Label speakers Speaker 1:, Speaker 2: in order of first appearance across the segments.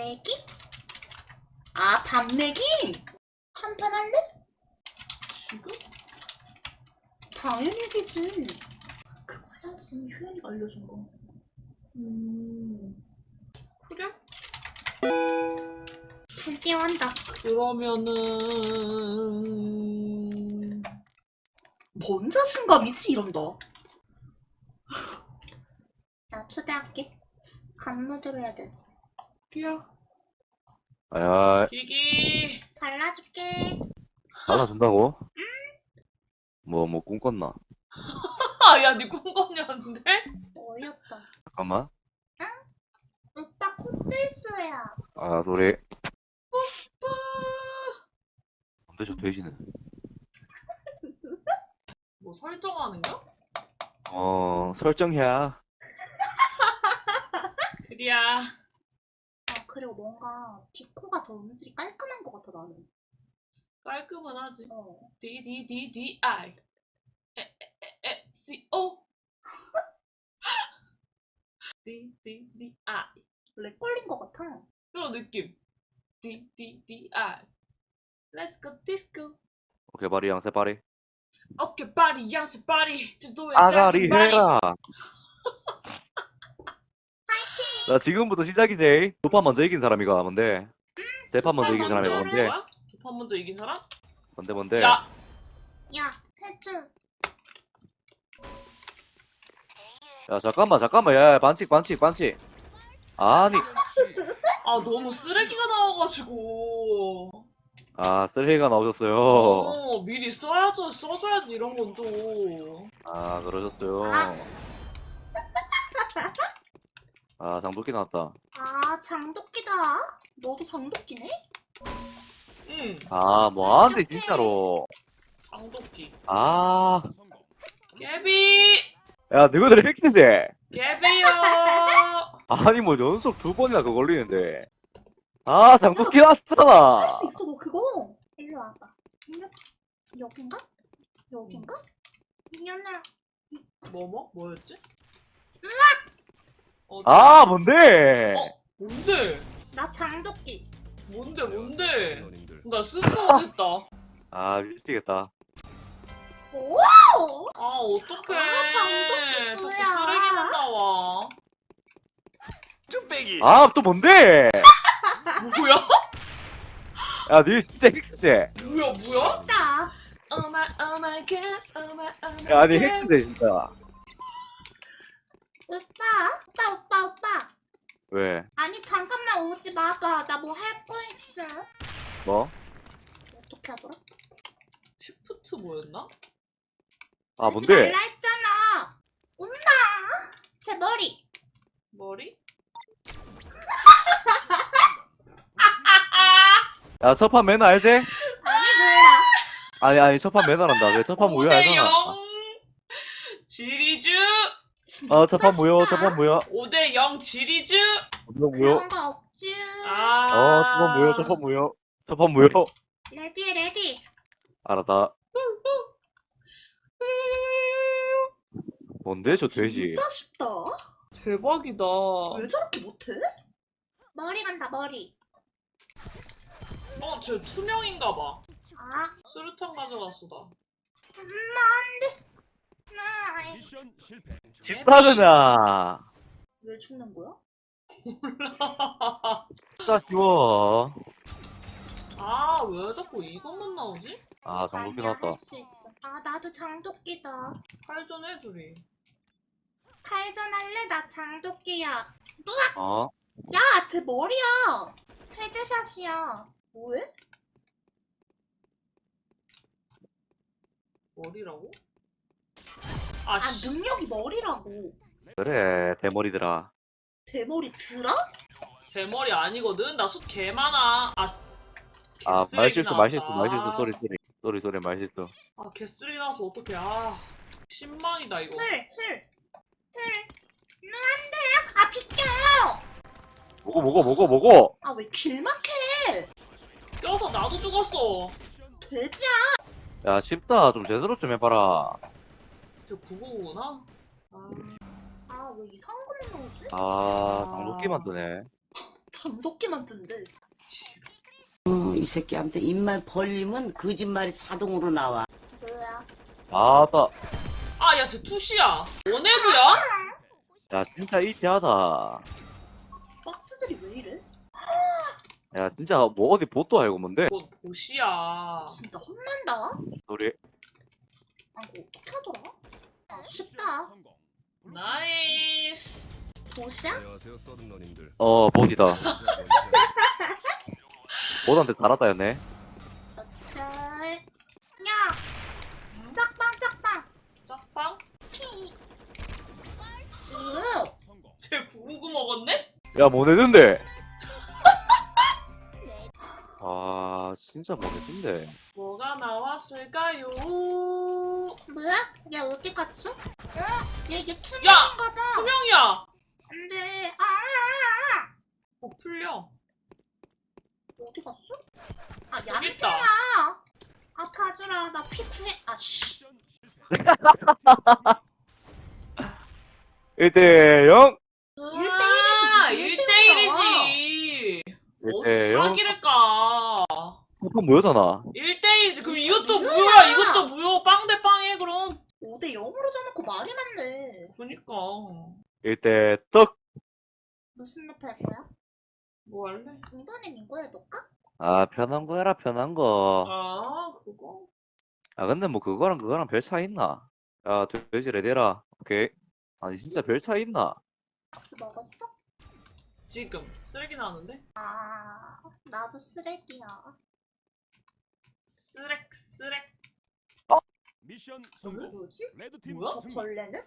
Speaker 1: 내기? 아, 밥 내기? 한판 할래? 지금? 당연히 이기지. 그거 해야지. 효연이가 알려준 거.
Speaker 2: 그래?
Speaker 1: 드디어 한다.
Speaker 2: 그러면은
Speaker 1: 뭔 자신감이지 이런다. 나 초대할게. 간모드로 해야 되지.
Speaker 2: 끼야
Speaker 3: 야,
Speaker 2: 기기
Speaker 1: 발라줄게.
Speaker 3: 받아준다고? 뭐 꿈꿨나?
Speaker 2: 야 니 꿈꿨냐는데?
Speaker 1: 어이없다.
Speaker 3: 잠깐만.
Speaker 1: 오빠 콧들소야.
Speaker 3: 아, 노래. 근데 저 돼지는?
Speaker 2: 뭐 설정하는겨?
Speaker 3: 설정해야.
Speaker 2: 그리야
Speaker 1: 그리고 뭔가 디코가 더 음질이 깔끔한 것 같아 나는.
Speaker 2: 깔끔은 하지.
Speaker 1: 어.
Speaker 2: DDDDI CO DDDI
Speaker 1: 렉 걸린 것 같아.
Speaker 2: 그런 느낌. DDDI Let's go disco.
Speaker 3: 오케이, 바리 양세 바리.
Speaker 2: 어깨 바리 양세 바리 지도에
Speaker 3: 아가리
Speaker 2: 작은 바리.
Speaker 3: 해라. 자, 지금부터 시작이지. 두 판 먼저 이긴 사람이가 뭔데? 세 판 먼저 이긴 사람이 뭔데?
Speaker 2: 두 판 먼저 이긴 사람?
Speaker 3: 뭔데?
Speaker 2: 야!
Speaker 1: 야, 해줘.
Speaker 3: 야, 잠깐만. 야, 반칙. 아니,
Speaker 2: 아 너무 쓰레기가 나와가지고.
Speaker 3: 쓰레기가 나오셨어요.
Speaker 2: 미리 써줘야지 이런 건 또.
Speaker 3: 아, 그러셨어요. 아, 장도끼 나왔다.
Speaker 1: 아, 장도끼다. 너도 장도끼네?
Speaker 2: 응.
Speaker 3: 아, 뭐하는데, 진짜로.
Speaker 2: 장도끼.
Speaker 3: 아,
Speaker 2: 깨비!
Speaker 3: 야, 너희들 핵스지?
Speaker 2: 깨비요!
Speaker 3: 아니, 뭐, 연속 두 번이나 그거 걸리는데. 아, 장도끼 났잖아.
Speaker 1: 할 수 있어, 너 그거. 일로 와봐. 일로. 여긴가? 여긴가? 이년아.
Speaker 2: 뭐였지?
Speaker 3: 아, 뭔데?
Speaker 2: 뭔데?
Speaker 1: 나 장도끼.
Speaker 2: 뭔데? 나 스스로 못했다.
Speaker 3: 아, 미치겠다.
Speaker 1: 오!
Speaker 2: 아, 어떡해.
Speaker 1: 아, 장도끼
Speaker 2: 자꾸
Speaker 1: 뭐야.
Speaker 2: 쓰레기만 나와.
Speaker 3: 아, 또 뭔데?
Speaker 2: 뭐야?
Speaker 3: 야, 니 진짜 핵스지?
Speaker 2: 뭐야?
Speaker 1: 나.
Speaker 2: Oh my god, oh my
Speaker 3: 야, 니
Speaker 2: god.
Speaker 3: 핵스지, 진짜.
Speaker 1: 오빠.
Speaker 3: 왜?
Speaker 1: 아니, 잠깐만 오지 마봐. 나 뭐 할 거 있어.
Speaker 3: 뭐?
Speaker 1: 어떻게 하더라?
Speaker 2: 슈프트 뭐였나?
Speaker 3: 아,
Speaker 1: 오지
Speaker 3: 뭔데?
Speaker 1: 말라 했잖아. 온다. 제 머리.
Speaker 2: 머리?
Speaker 3: 야, 첫판 매너 알지?
Speaker 1: 아니, 몰라.
Speaker 3: 아니, 첫판 매너란다. 왜 첫판 무효 알잖아.
Speaker 2: 5대0 지리주.
Speaker 1: 진짜
Speaker 3: 첫판 무효,
Speaker 1: 쉽다.
Speaker 3: 첫판 무효.
Speaker 2: 5대0 지리주.
Speaker 3: 무효.
Speaker 1: 그런 거 없지.
Speaker 3: 첫판 무효.
Speaker 1: 레디.
Speaker 3: 알았다. 뭔데, 저 돼지?
Speaker 1: 진짜 쉽다.
Speaker 2: 대박이다.
Speaker 1: 왜 저렇게 못해? 머리 간다, 머리.
Speaker 2: 쟤 투명인가 봐.
Speaker 1: 아,
Speaker 2: 수류탄 가져갔어, 나.
Speaker 1: 엄마, 안 돼. 나,
Speaker 4: 미션 실패.
Speaker 3: 쉽다그나.
Speaker 1: 왜 죽는 거야?
Speaker 3: 진짜 쉬워.
Speaker 2: 아, 왜 자꾸 이것만 나오지?
Speaker 3: 아, 장도끼
Speaker 1: 아니야,
Speaker 3: 나왔다.
Speaker 1: 할 수 있어. 아, 나도 장도끼다.
Speaker 2: 칼전 해주리.
Speaker 1: 칼전 할래? 나 장도끼야.
Speaker 3: 어?
Speaker 1: 야, 제 머리야. 헤드샷이야. 뭐해?
Speaker 2: 머리라고?
Speaker 1: 아,
Speaker 2: 씨.
Speaker 1: 능력이 머리라고.
Speaker 3: 그래, 대머리들아.
Speaker 1: 대머리 들어?
Speaker 2: 대머리 아니거든? 나 숱 개 많아.
Speaker 3: 아,
Speaker 2: 개쓰레기
Speaker 3: 말실수,
Speaker 2: 나왔다.
Speaker 3: 소리, 말실수.
Speaker 2: 아, 개쓰레기 나와서 어떡해. 아, 신망이다, 이거.
Speaker 1: 훌. 안 돼. 아, 비켜.
Speaker 3: 뭐고?
Speaker 1: 아, 왜 길막해?
Speaker 2: 껴서 나도 죽었어.
Speaker 1: 돼지야.
Speaker 3: 야, 쉽다. 좀 제대로 좀 해봐라.
Speaker 2: 저 999구나? 아,
Speaker 1: 아, 왜 이상한 것만 나오지?
Speaker 3: 아, 장도끼 만드네.
Speaker 1: 단독기만 뜬대.
Speaker 4: 이 새끼한테 입만 벌리면 거짓말이 자동으로 나와.
Speaker 1: 뭐야?
Speaker 3: 아따.
Speaker 2: 아, 야, 쟤 투시야. 원헤드야?
Speaker 3: 야 진짜 이지하다.
Speaker 1: 박스들이 왜 이래?
Speaker 3: 야 진짜 뭐 어디 보도 알고 뭔데?
Speaker 2: 뭐, 보시야.
Speaker 1: 진짜 혼난다.
Speaker 3: 우리
Speaker 1: 아, 이거 어떻게 하더라? 아, 쉽다.
Speaker 2: 나이스.
Speaker 1: 도시야?
Speaker 5: 안녕하세요, 서든러님들.
Speaker 3: 보디다. 보드한테 잘하다였네.
Speaker 1: 짤. 야! 짝빵, 짝빵!
Speaker 2: 짝빵?
Speaker 1: 피! 으!
Speaker 2: 쟤 부르고 먹었네?
Speaker 3: 야 뭐내준데? 아 진짜 뭐내준데?
Speaker 2: 뭐가 나왔을까요?
Speaker 1: 뭐야? 얘 어디 갔어? 얘
Speaker 2: 야!
Speaker 1: 투명인가 봐.
Speaker 2: 투명이야!
Speaker 1: 안 돼. 아!
Speaker 2: 풀려.
Speaker 1: 어디 갔어? 아,
Speaker 2: 여기 있다.
Speaker 1: 얌생아! 아, 봐주라. 나 피 구해. 아, 씨.
Speaker 3: 1대0.
Speaker 2: 아,
Speaker 1: 1대1이지.
Speaker 2: 1대1이지. 어디서
Speaker 3: 1대0.
Speaker 2: 사기를 까?
Speaker 3: 그건 뭐였잖아.
Speaker 2: 1대1이지. 그럼 이것도
Speaker 1: 무효야.
Speaker 2: 무효야. 이것도 무효. 빵 대 빵해, 그럼.
Speaker 1: 5대 0으로 져놓고 말이 많네.
Speaker 2: 그니까.
Speaker 3: 1대 떡.
Speaker 1: 무슨 맵 할 거야?
Speaker 2: 뭐 할래?
Speaker 1: 이번엔 이거 해볼까?
Speaker 3: 아 편한 거 해라 편한 거.
Speaker 2: 아, 그거?
Speaker 3: 아 근데 뭐 그거랑 별 차이 있나? 야 돼지 레디라. 오케이. 아니 진짜 별 차이 있나?
Speaker 1: 박스 먹었어?
Speaker 2: 지금. 쓰레기 나왔는데?
Speaker 1: 아, 나도 쓰레기야.
Speaker 2: 쓰렉.
Speaker 5: 미션 성공.
Speaker 1: 뭐지?
Speaker 5: 레드팀
Speaker 2: 뭐야?
Speaker 1: 저
Speaker 5: 승리.
Speaker 1: 벌레는?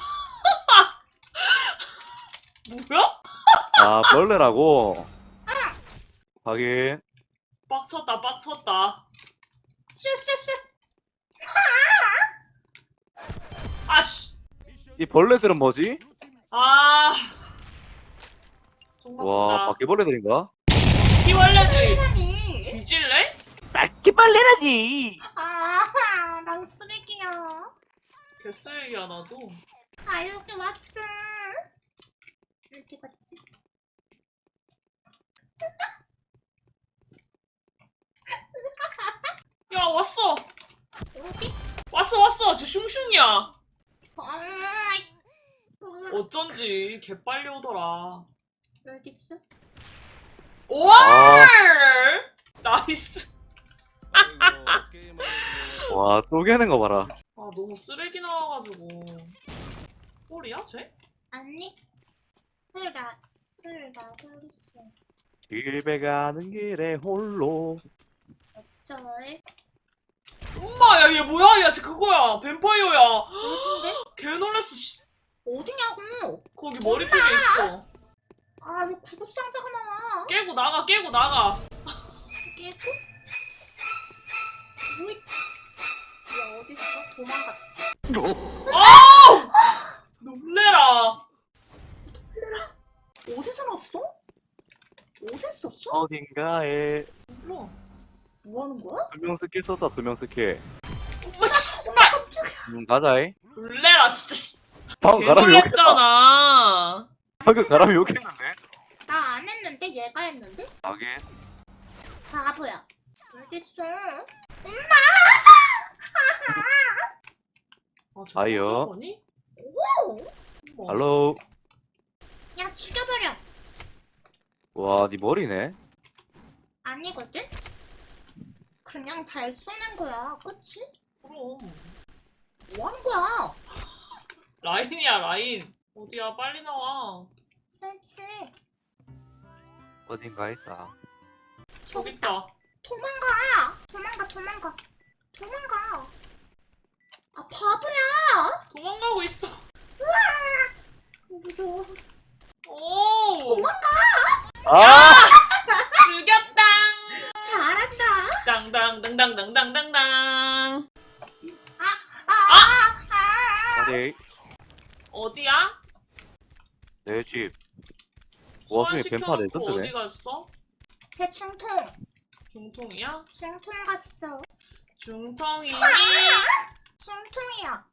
Speaker 2: 뭐야?
Speaker 3: 아 벌레라고. 확인.
Speaker 2: 빡쳤다.
Speaker 1: 슈슈슈.
Speaker 2: 아씨.
Speaker 5: 미션
Speaker 3: 이 벌레들은 뭐지?
Speaker 2: 아.
Speaker 3: 와 바퀴벌레들인가?
Speaker 2: 키월레들
Speaker 1: 아니.
Speaker 2: 뒤질래?
Speaker 3: 바퀴벌레라지.
Speaker 1: 아, 난 쓰레기야.
Speaker 2: 개쓰레기야, 나도.
Speaker 1: 아, 여기 왔어. 어디 갔지?
Speaker 2: 야, 왔어.
Speaker 1: 어디?
Speaker 2: 왔어. 쟤 슝슝이야.
Speaker 1: 아,
Speaker 2: 어쩐지 개빨리 오더라.
Speaker 1: 어디 있어?
Speaker 2: 월! 나이스.
Speaker 5: 아이고, 게임하는
Speaker 3: 와 쪼개는 거 봐라.
Speaker 2: 아, 너무 쓰레기 나와가지고. 꼴이야, 쟤?
Speaker 1: 아니. 홀다 홀렸어.
Speaker 3: 길배 가는 길에 홀로.
Speaker 1: 쩔.
Speaker 2: 엄마, 야, 얘 뭐야? 야, 쟤 그거야. 뱀파이어야.
Speaker 1: 어딘데?
Speaker 2: 개 놀랬어, 씨.
Speaker 1: 어디냐고?
Speaker 2: 거기 머리 쪽에 있어.
Speaker 1: 아, 왜 구급상자가 나와?
Speaker 2: 깨고 나가.
Speaker 1: 깨고? 뭐이? 얘 어딨어? 도망갔지?
Speaker 2: 아우! 놀래라.
Speaker 1: 어디서 났어? 어디 있었어?
Speaker 3: 어딘가에
Speaker 2: 몰라.
Speaker 1: 뭐 하는 거야?
Speaker 3: 2명 스킬 썼다 2명 스킬.
Speaker 2: 엄마, 씨발.
Speaker 3: 가자이.
Speaker 2: 놀래라, 진짜. 씨.
Speaker 3: 방금
Speaker 2: 개
Speaker 3: 가람이 욕했다.
Speaker 2: 놀랬잖아.
Speaker 3: 방금 가람이 욕했는데?
Speaker 1: 나 안 했는데 얘가 했는데?
Speaker 3: 하긴.
Speaker 1: 바보야. 어딨어?
Speaker 2: 아, 쟤
Speaker 3: 아이요.
Speaker 2: 거니?
Speaker 1: 오!
Speaker 3: 할로.
Speaker 1: 야, 죽여버려.
Speaker 3: 와, 네 머리네.
Speaker 1: 아니거든? 그냥 잘 쏘는 거야. 그치?
Speaker 2: 그럼.
Speaker 1: 뭐 하는 거야?
Speaker 2: 라인이야, 라인. 어디야, 빨리 나와.
Speaker 1: 설치.
Speaker 3: 어딘가 있다.
Speaker 2: 저기 있다.
Speaker 1: 도망가. 아, 바보야.
Speaker 2: 도망가고 있어.
Speaker 1: 무서워.
Speaker 2: 오!
Speaker 3: 아!
Speaker 2: 죽였다!
Speaker 1: 잘한다.
Speaker 2: 땅땅땅땅땅땅땅.
Speaker 3: 다시
Speaker 2: 어디야?
Speaker 3: 내 집. 와중에 뱀파
Speaker 2: 어디
Speaker 3: 레전드네.
Speaker 2: 갔어?
Speaker 1: 제 중통.
Speaker 2: 중통이야?
Speaker 1: 중통 갔어.
Speaker 2: 중통이니?
Speaker 1: 중통이야.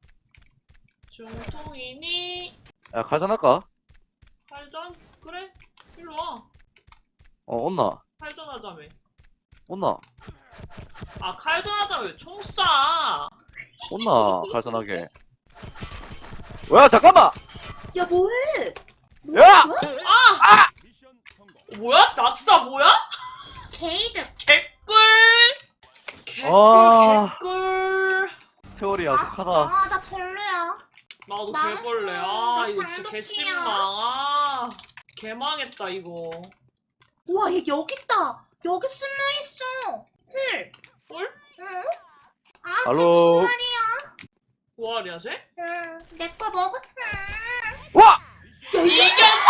Speaker 2: 중통이니?
Speaker 3: 야, 가자 할까?
Speaker 2: 팔전? 그래? 일로 와.
Speaker 3: 온나?
Speaker 2: 칼전하자며.
Speaker 3: 온나?
Speaker 2: 아, 칼전하자며. 총 쏴.
Speaker 3: 온나? 갈선하게. 야, 잠깐만!
Speaker 1: 야 뭐해?
Speaker 3: 야!
Speaker 2: 아!
Speaker 5: 미션 성공.
Speaker 2: 뭐야? 낙사 뭐야?
Speaker 1: 게이드.
Speaker 2: 개꿀! 개꿀,
Speaker 3: 아.
Speaker 2: 개꿀.
Speaker 3: 세월이 아득하다.
Speaker 1: 나 별로야.
Speaker 2: 나도
Speaker 1: 망했어.
Speaker 2: 개벌레.
Speaker 1: 나
Speaker 2: 아, 이거 진짜
Speaker 1: 장독이야.
Speaker 2: 개심망. 아, 개망했다, 이거.
Speaker 1: 와, 얘 여기 있다. 여기 숨어 있어. 헐.
Speaker 2: 꿀?
Speaker 1: 응? 아,
Speaker 3: 알로.
Speaker 1: 쟤 말이야.
Speaker 2: 부활이야, 쟤?
Speaker 1: 응, 내 거 먹었어.
Speaker 3: 와!
Speaker 2: 이겼다!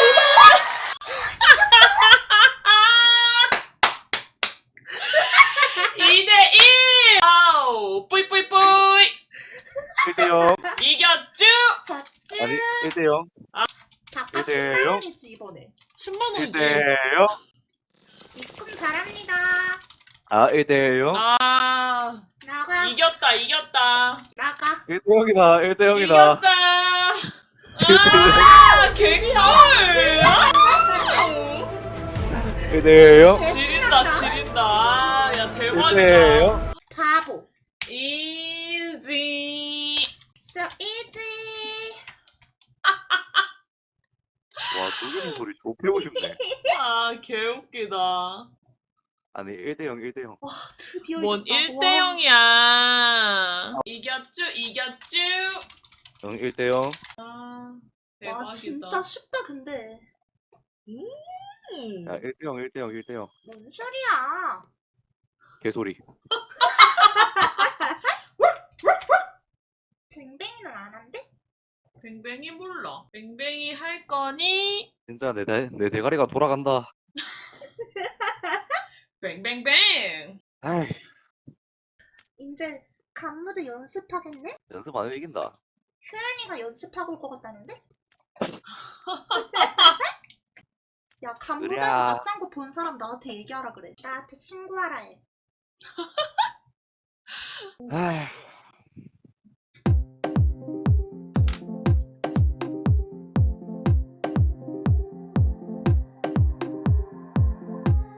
Speaker 2: 이대 1! 아우, 뿌이뿌이뿌이!
Speaker 3: 1대0.
Speaker 2: 이겼쥬?
Speaker 1: 졌지?
Speaker 3: 아니, 1대0.
Speaker 1: 잠깐
Speaker 3: 1대0.
Speaker 1: 10만원이지 이번에.
Speaker 2: 10만원이지.
Speaker 3: 1대0.
Speaker 1: 입금 잘합니다.
Speaker 3: 아, 1대0.
Speaker 2: 아,
Speaker 1: 나가.
Speaker 2: 이겼다, 이겼다.
Speaker 1: 나가.
Speaker 3: 1대0이다, 1대0이다.
Speaker 2: 이겼다! 아, 개꿀! 아!
Speaker 3: 1대0.
Speaker 2: 지린다, 지린다. 아, 야, 대박이다.
Speaker 3: 1대0.
Speaker 1: 바보.
Speaker 2: 이지.
Speaker 1: So easy.
Speaker 3: 와, 두개는 소리 좁히고 싶네.
Speaker 2: 아, 개웃기다.
Speaker 3: 아니, 1대0, 1대0.
Speaker 1: 와, 드디어
Speaker 2: 뭔
Speaker 1: 이겼다.
Speaker 2: 1대0이야. 이겼쥬, 이겼쥬.
Speaker 3: 응, 1대0.
Speaker 2: 아,
Speaker 1: 와,
Speaker 2: 대박이다.
Speaker 1: 진짜 쉽다 근데.
Speaker 2: 음.
Speaker 3: 야, 1대0, 1대0, 1대0.
Speaker 1: 뭔 소리야?
Speaker 3: 개소리.
Speaker 1: 뱅뱅이는 안 한대?
Speaker 2: 뱅뱅이 몰라. 뱅뱅이 할 거니?
Speaker 3: 진짜 내 대가리가 돌아간다.
Speaker 2: 뱅뱅뱅.
Speaker 3: 아이,
Speaker 1: 이제 간무도 연습하겠네?
Speaker 3: 연습 안 하면 이긴다.
Speaker 1: 효연이가 연습하고 올 것 같다는데? 야, 간무대에서
Speaker 3: 그래.
Speaker 1: 맞장구 본 사람 나한테 얘기하라 그래. 나한테 신고하라 해.
Speaker 3: 아이.